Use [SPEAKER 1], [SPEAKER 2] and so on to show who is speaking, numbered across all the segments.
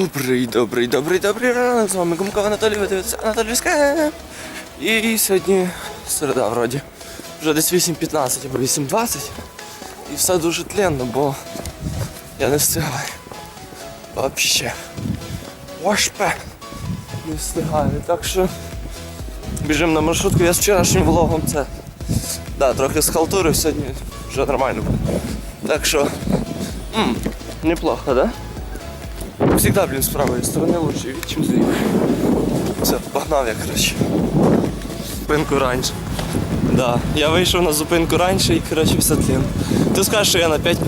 [SPEAKER 1] Добрий ранок, з вами Гумков Анатолій, ви дивитеся Анатолійське. І сьогодні середа вроді. Вже десь 8:15 або 8:20. І все дуже тленно, бо я не встигаю. Вообще. Вошпе. Не встигаю. Так що біжимо на маршрутку. Я з вчорашнім влогом це трохи схалтурив, сьогодні вже нормально буде. Так що неплохо, да? Всегда, блин, с правой стороны лучше вид, чем с левой. Все, погнав я, короче. Зупинку раніше. Да, я вийшов на зупинку раніше і, короче, все тлін. Ти скажеш, що я на 5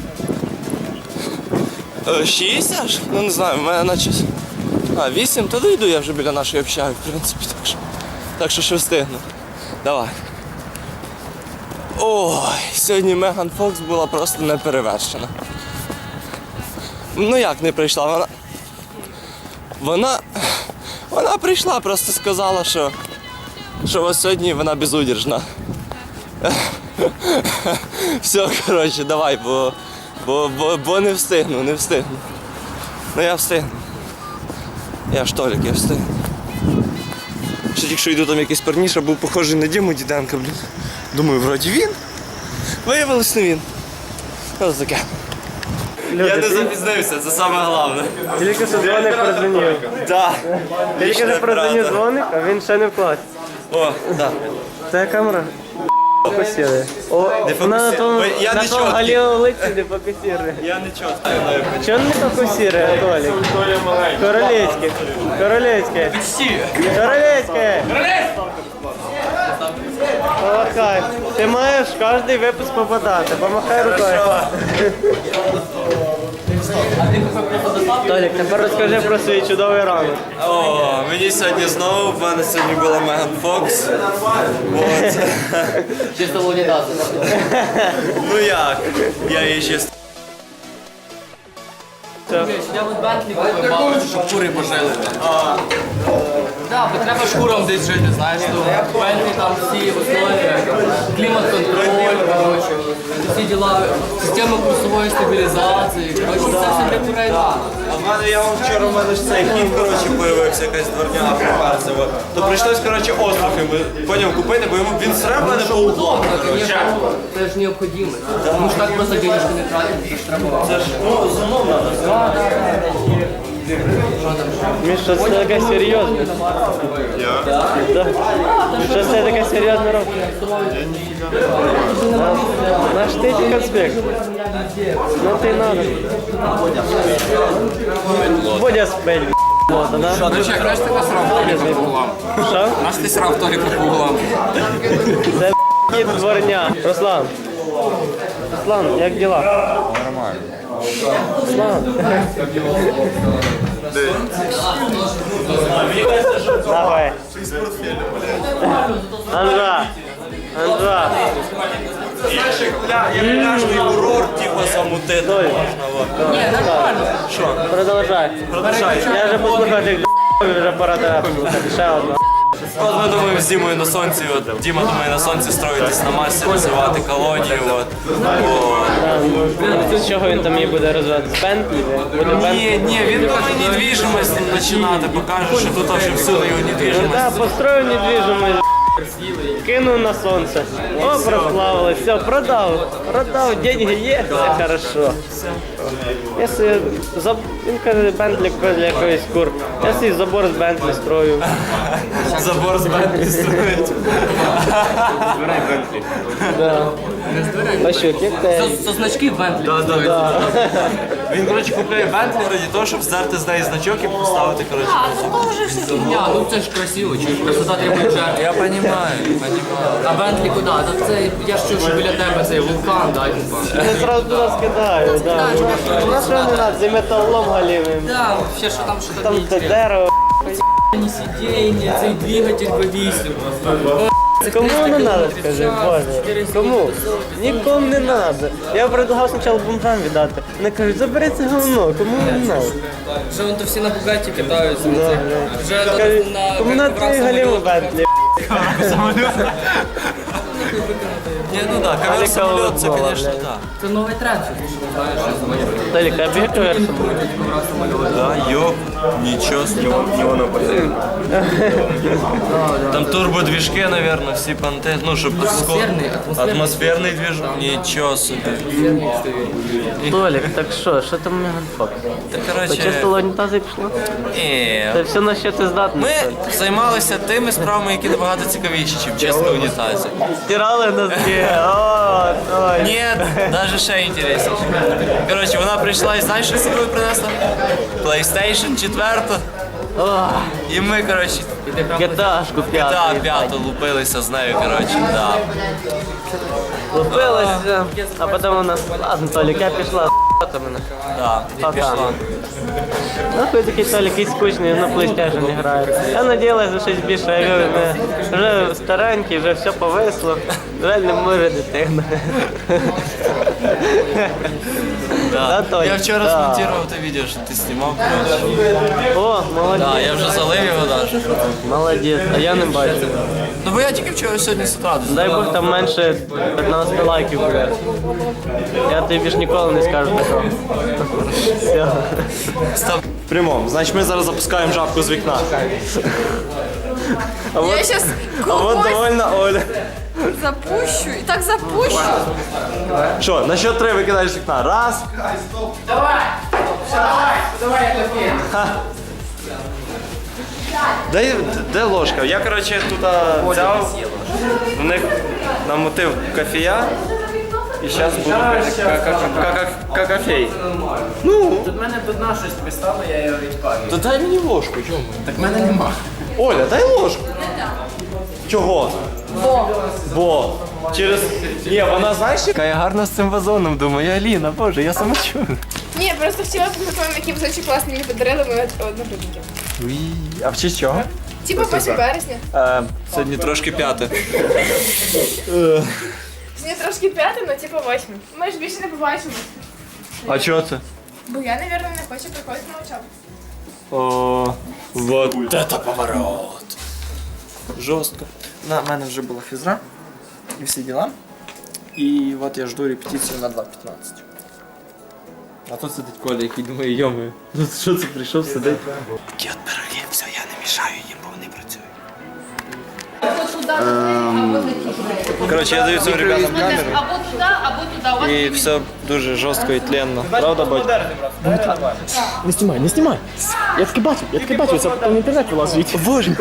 [SPEAKER 1] 6 аж? Ну не знаю, в мене наче... 8, то дойду я вже біля нашої общаги, в принципі, так що ще встигну. Давай. Ой, сьогодні Меган Фокс була просто неперевершена. Ну як не прийшла, вона прийшла, просто сказала, що ось сьогодні вона безудержна. Все, коротше, давай, бо не встигну. Ну я встигну. Я ж Толік, я встигну. Ще тільки що йду, там якийсь парніша, був похожий на Діму Діденка, блін. Думаю, вроді він. Виявилось не він. Ось таке. Я не запізнився, це саме головне.
[SPEAKER 2] Тільки що дзвоник прозвонив.
[SPEAKER 1] Так.
[SPEAKER 2] Тільки що прозвонив дзвоник, а він ще не в класі.
[SPEAKER 1] О, так.
[SPEAKER 2] Це камера. Фокусирує. На тому галіолиці не фокусирує.
[SPEAKER 1] Я не чітко.
[SPEAKER 2] Чого не фокусирує, Толік? Королевське. Королевське. Королевське. Помахай. Ти маєш в кожний випуск попадати. Помахай рукою. Толік, тепер розкажи про свій чудовий ранок.
[SPEAKER 1] О, мені сьогодні знову, в мене сьогодні була Меган Фокс.
[SPEAKER 3] Чисто лунідати.
[SPEAKER 1] Ну як? Я її чисто.
[SPEAKER 3] Я от Бентлі купив, бабусі, щоб кури пожили. Так, бо треба шкурам десь жити, знаєш, то Бентлі там всі основи, клімат-контроль, коротше, всі діла, система курсової стабілізації, коротше, це все для курей.
[SPEAKER 1] А в мене, вчора в мене ж цей хід, коротше, появився, якась дворняга приперцева. То прийшлось, коротше, остров йому, поняв, купити, бо йому він сре в мене по углам, коротше.
[SPEAKER 3] Це ж необхідно. Тому що так просто денежки не тратять, це ж треба.
[SPEAKER 1] Це ж, з умов треба.
[SPEAKER 2] Міша, це таке серйозне.
[SPEAKER 1] Я?
[SPEAKER 2] Так. Що це таке серйозне робить? Наш ти конспект. Ну ти надо. Бодя спель.
[SPEAKER 3] До речі, знаєш, ти насрав Толіка по углам?
[SPEAKER 2] Що?
[SPEAKER 3] Наш ти срав Толіка по углам?
[SPEAKER 2] Це кіт дворня. Руслан. Руслан, як діла?
[SPEAKER 4] Нормально.
[SPEAKER 2] Руслан. Давай. Анжа. Анжа.
[SPEAKER 1] Я пляжний курорт, типу, замутити можна.
[SPEAKER 3] Ні, нормально.
[SPEAKER 1] Що?
[SPEAKER 2] Продовжай.
[SPEAKER 1] Продовжай.
[SPEAKER 2] Я вже послухав тих вже пора тебе послухати. Ще одна.
[SPEAKER 1] От ми думаємо з Дімою на сонці, Діма думає на сонці строїтись на масі, розвивати колонію,
[SPEAKER 2] З чого він там її буде розвивати? З Бентлі?
[SPEAKER 1] Ні, він думає недвіжимость починати, бо каже, що тут вже всюди його недвіжимость.
[SPEAKER 2] Так, построю недвіжимость. Кинув на сонце. О, прославилось. Все, продав, деньги є, все хорошо. Якщо він каже, Бентлі для якоїсь кур. Я свій забор з Бентлі строю.
[SPEAKER 1] Забор з Бентлі строїть.
[SPEAKER 4] Збирай Бентлі.
[SPEAKER 2] Да. Пащук, як те?
[SPEAKER 3] Це значки Бентлі.
[SPEAKER 1] Він, коротше, купляє Бентлі раді того, щоб здерти з неї значок і поставити, коротше.
[SPEAKER 3] Фігня, ну це ж красиво, чи красота требує жертв.
[SPEAKER 1] Я розумію.
[SPEAKER 3] А Бентлі куди? Та це, я ж чув, що біля тебе цей вулкан, да, типа.
[SPEAKER 2] Я зразу туди скидаю, да. У нас що не треба, за металлом галівим.
[SPEAKER 3] Да, ще що там, що
[SPEAKER 2] Там
[SPEAKER 3] там
[SPEAKER 2] те дерево.
[SPEAKER 3] ні сидіння, цей двигатель V8.
[SPEAKER 2] Кому не треба, скажи, Боже? Кому? Нікому не треба. Я предлагав спочатку бомжам віддати. Вони кажуть, забери це говно, кому не треба.
[SPEAKER 3] Вже вон то всі на Бугаті катаються. Вже
[SPEAKER 2] Кажуть,
[SPEAKER 3] на...
[SPEAKER 2] кому на твої галіву Бентлі.
[SPEAKER 1] Ні, ну так, ковер самоліт, це, звісно, так.
[SPEAKER 3] Це новий тренд, що ти знаєш, що самоліт.
[SPEAKER 2] Толік, а бігає ковер самоліт?
[SPEAKER 1] Да, ёп, ничего с него Там турбодвижки, наверное, всі понти. Ну, щоб атмосферний движок. Нічого собі.
[SPEAKER 2] Толік, так що там Меганфок?
[SPEAKER 1] Та, короче,
[SPEAKER 2] Почистила унітази і пішло?
[SPEAKER 1] ні.
[SPEAKER 2] Це все на що ти здатний.
[SPEAKER 1] Ми займалися тими справами, які набагато цікавіші, ніж чисто унітази.
[SPEAKER 2] Стирали носки, о, Толік.
[SPEAKER 1] Ні, навіть ще інтересніше. Коротше, вона прийшла і знаєш, що собою принесла? PlayStation 4. І ми, коротше,
[SPEAKER 2] Геташку п'яту.
[SPEAKER 1] GTA 5 лупилися з нею, коротше, да.
[SPEAKER 2] Лупилася, а потім вона, ладно, Толік, я пішла, с***та мене.
[SPEAKER 1] Да, і
[SPEAKER 2] Пока.
[SPEAKER 1] пішла.
[SPEAKER 2] Нахуй такий Толік якийсь скучний, на PlayStation грає. Я надіялась за щось більше, я говорю, вже старенький, вже все повисло, жаль, не може дитина. Да, Толік?
[SPEAKER 1] Я вчора
[SPEAKER 2] Да.
[SPEAKER 1] змонтував те відео, що ти знімав, коротше.
[SPEAKER 2] О, молодець.
[SPEAKER 1] Да, я вже залив його навіть.
[SPEAKER 2] Молодець, а я не бачу.
[SPEAKER 1] Ну бо я тільки вчора сьогодні з утра.
[SPEAKER 2] Дай Бог там менше 15 лайків буде. Я тобі ж ніколи не скажу такого. Все.
[SPEAKER 1] Став.
[SPEAKER 5] Прямом. Значить, ми зараз запускаємо жабку з вікна.
[SPEAKER 6] Я сейчас
[SPEAKER 5] А от довольна Оля.
[SPEAKER 6] запущу. И так запущу.
[SPEAKER 5] Що, на счет 3 викидаєш з вікна? Раз. Де ложка? Я, коротше, тут взяв, в них намотив кофея. І зараз буду какафей.
[SPEAKER 2] Тут в мене одна щось пристало, я його відпалю.
[SPEAKER 5] То дай мені ложку, чому?
[SPEAKER 2] Так в мене нема.
[SPEAKER 5] Оля, дай ложку. Чого? Бо. Через. Ні, вона знаєш, яка я гарна з цим вазоном, думаю, Аліна, боже, я самочув.
[SPEAKER 6] Ні, просто вчора підготували, які дуже класні мені подарили мої одногрупники.
[SPEAKER 5] А в честь чого?
[SPEAKER 6] Типа 8 березня.
[SPEAKER 5] Сьогодні трошки 5.
[SPEAKER 6] Сьогодні трошки 5, але типа 8. Ми ж більше не побачимо.
[SPEAKER 5] А чого це?
[SPEAKER 6] Бо я, напевно, не хочу приходити на учебу.
[SPEAKER 5] О, вот.
[SPEAKER 1] Это поворот. Жорстко. На мене вже була фізра і всі діла. І от я жду репетицію на 2.15.
[SPEAKER 5] А тут сидить Коля, який думає, йоми. Ну що це прийшов сидить?
[SPEAKER 1] Такі от пироги, все, я не мішаю їм, бо вони працюють.
[SPEAKER 5] Коротше, я даю цим ребятам камеру.
[SPEAKER 6] Або туди, або туди.
[SPEAKER 5] І все дуже жорстко і тленно. Правда, батько?
[SPEAKER 7] Не знімай, не знімай. Я таки бачив, це потім в інтернет вилазить. Боже.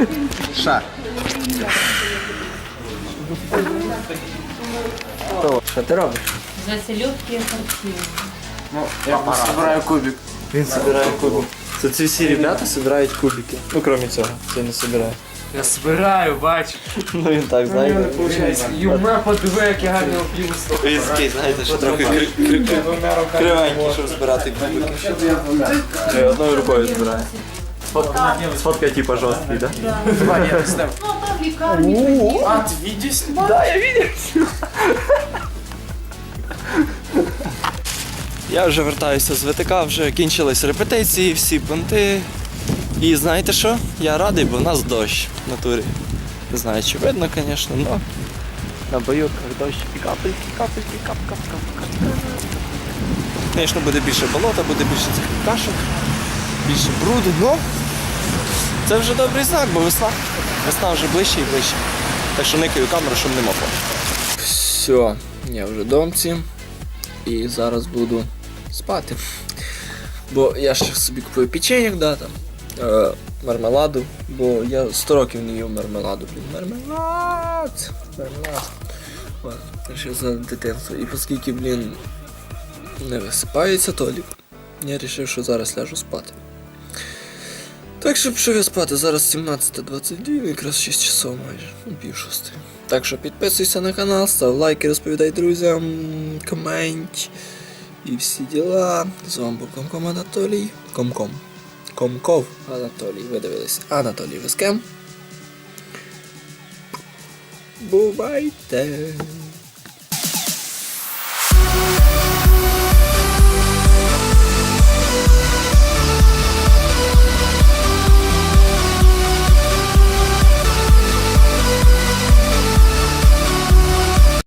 [SPEAKER 2] Що ти робиш?
[SPEAKER 8] Заселюдки харчів.
[SPEAKER 5] Я збираю кубик. Він збирає кубик. Це ці всі ребята збирають кубики. Ну, крім цього, це не збирає.
[SPEAKER 3] Я збираю, бачу.
[SPEAKER 5] Ну він так, знаєте.
[SPEAKER 3] Юма, подиви, яке гарне опівство.
[SPEAKER 5] Він такий, знаєте, що трохи кривенький, щоб збирати кубики. Я одною рукою збираю. Сфоткай типа жорсткий, да?
[SPEAKER 8] Ну, там в лікарні.
[SPEAKER 1] Я вже вертаюся з ВТК, вже кінчились репетиції, всі понти. І знаєте що? Я радий, бо в нас дощ в натурі. Не знаю, чи видно, звісно, але на бойовках дощ і капельки, капельки, кап. Звісно, буде більше болота, буде більше цих кашок, більше бруду, але це вже добрий знак, бо весна. Весна вже ближче і ближче. Так що никаю камеру, щоб не мокло. Все, я вже домці. І зараз буду спати. Бо я ще собі купую печеньок, да, там, мармеладу, бо я 100 років не їв мармеладу. Блін, мармелад. От, ще за дитинство. І оскільки, блін, не висипається Толік, я вирішив, що зараз ляжу спати. Так що пішов я спати, зараз 17:22, якраз 6 часов майже, ну, 5:30. Так що підписуйся на канал, став лайки, розповідай друзям, комент і всі діла. З вами був Комком Анатолій. Комков Анатолій. Ви дивились Анатолій Вискем. Бувайте!